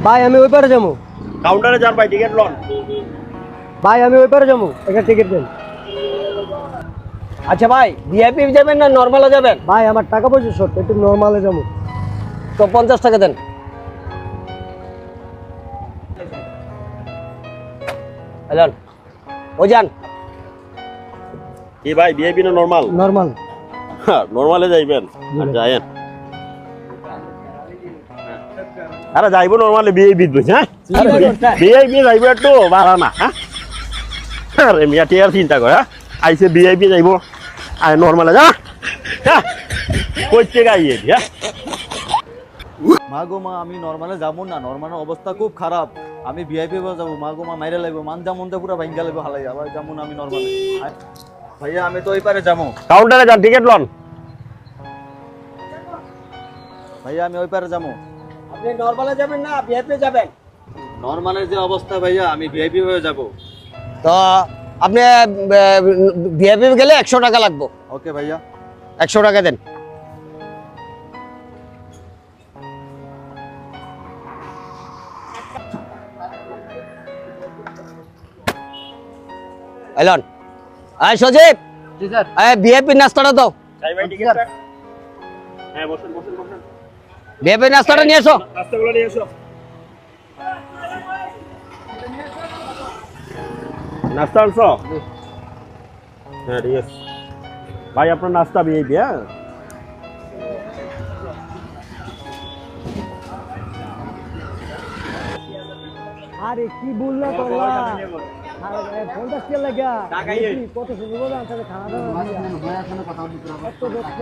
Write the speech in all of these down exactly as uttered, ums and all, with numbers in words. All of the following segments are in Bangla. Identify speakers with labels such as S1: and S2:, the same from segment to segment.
S1: ভাই আমি ওই পারে যাবো।
S2: কাউন্টারে যান ভাই, টিকিট লন।
S1: ভাই আমি ওই পারে যাবো, একটা টিকিট দেন।
S3: আচ্ছা ভাই, ভিআইপি যাবেন না নরমালে যাবেন?
S1: ভাই আমার টাকা পয়সা শর্ট, একটু নর্মালে যাবো।
S3: তো পঞ্চাশ টাকা দেন। হ্যালো, ও যান।
S2: কি ভাই, ভিআইপি না নরমাল?
S1: নর্মাল।
S2: হ্যাঁ, নরমালে যাইবেন। আর যায়েন। আরে যাইবো নরমালে, ভিআইপি দিবেন। হ্যাঁ, ভিআইপি যাইবো একটু বাড়া না। হ্যাঁ, আরে মিয়া টিয়ার চিন্তা করে। হ্যাঁ, আইসে ভিআইপি যাইবো আর নরমালে যা। হ্যাঁ, কইতে গাইয়ে দি। হ্যাঁ,
S4: মা গো মা, আমি নরমালে যাবো না, নরমালের অবস্থা খুব খারাপ। আমি ভিআইপি যাবো, মা গো মা মাইরে লাগবো, মান যেমনটা পুরো ভাঙ্গা লাগবো হালাই। আবার যেমন আমি নরমালে ভাইয়া, আমি তো ওই পারে যাবো।
S2: কাউন্টারে যান, টিকিট লন।
S4: ভাইয়া আমি ওই পারে যাবো।
S3: আপনি নরমালে যাবেন না ভিআইপি যাবেন?
S4: নরমালের যে অবস্থা ভাইয়া, আমি ভিআইপি হয়ে যাবো।
S3: তো আপনি ভিআইপি গেলে একশো টাকা লাগবে।
S4: ওকে ভাইয়া,
S3: একশো টাকা দেন। এলন, আয় সজীব।
S1: জি স্যার।
S3: আয় ভিআইপি নাস্তাটা দাও।
S2: যাই ভাই, টিকিটটা। হ্যাঁ, বসেন বসেন বসেন।
S3: ভিআইপি নাস্তাটা নিয়ে এসো।
S2: নাস্তাগুলো নিয়ে এসো। নাস্তা আনছো? হ্যাঁ, ঠিক আছে ভাই, আপনার নাস্তা ভিআইপি। হ্যাঁ,
S1: আরে কি বললা তোলা? আরে পঞ্চাশ টাকা লাগা। কত সুন্দর বলে আনতে খাওয়া দাওয়া দিয়া। এত যত্ন।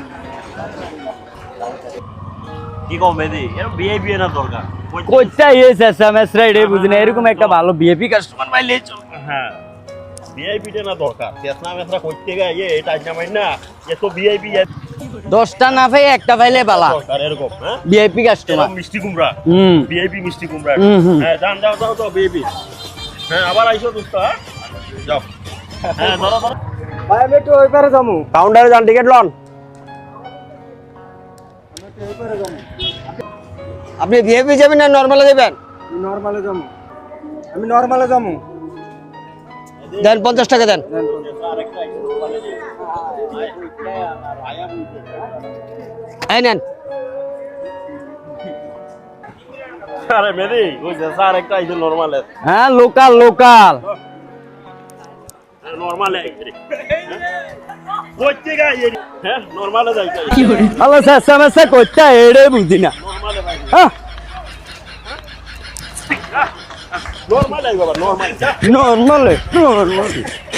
S2: কি কম বেদি, এরকম ভিআইপি না দরকার।
S5: কোচটা এসে এসএমএস রাইড এ বুঝিনা, এরকম একটা ভালো ভিআইপি কাস্টমার পাইলে চলবে।
S2: হ্যাঁ, ভিআইপি না দরকার। চেতনা মেসরা কইতে গায় এ এটা জামাই না, এ তো ভিআইপি
S5: দশটা না পাই একটা পাইলে বালা
S2: দরকার এরকম। হ্যাঁ,
S5: ভিআইপি কাস্টমার।
S2: এরকম মিষ্টি কুমড়া।
S5: হুম
S2: ভিআইপি মিষ্টি কুমড়া।
S5: হুম, হুম।
S2: হ্যাঁ, যান যাও যাও তো ভিআইপি। হ্যাঁ, আবার আইসো দোস্ত। হ্যাঁ, যাও। হ্যাঁ, ধরো ধরো।
S1: ভাই আমি একটু ওই পারে যাবো।
S2: কাউন্টারে যান, টিকিট লন।
S3: আপনি ভিআইপি যাবেন না নরমালে যাবেন?
S1: নর্মালে যাবো। আমি নর্মালে যাবো।
S3: দেন পঞ্চাশ টাকা দেন। এই নেন।
S2: আরে মেদি, ওই যে স্যার একটা আইছে নরমালে।
S5: হ্যাঁ, লোকাল লোকাল
S2: নরমালে আইছে। কইতে গায় এ। হ্যাঁ, নরমালে যাইতে।
S5: হ্যালো এসএমএস কোচটা এড়ে বুঝিনা।
S2: নরমালে ভাই।
S5: হ্যাঁ,
S2: নরমালে আইবা, নরমালে।
S5: Normal normal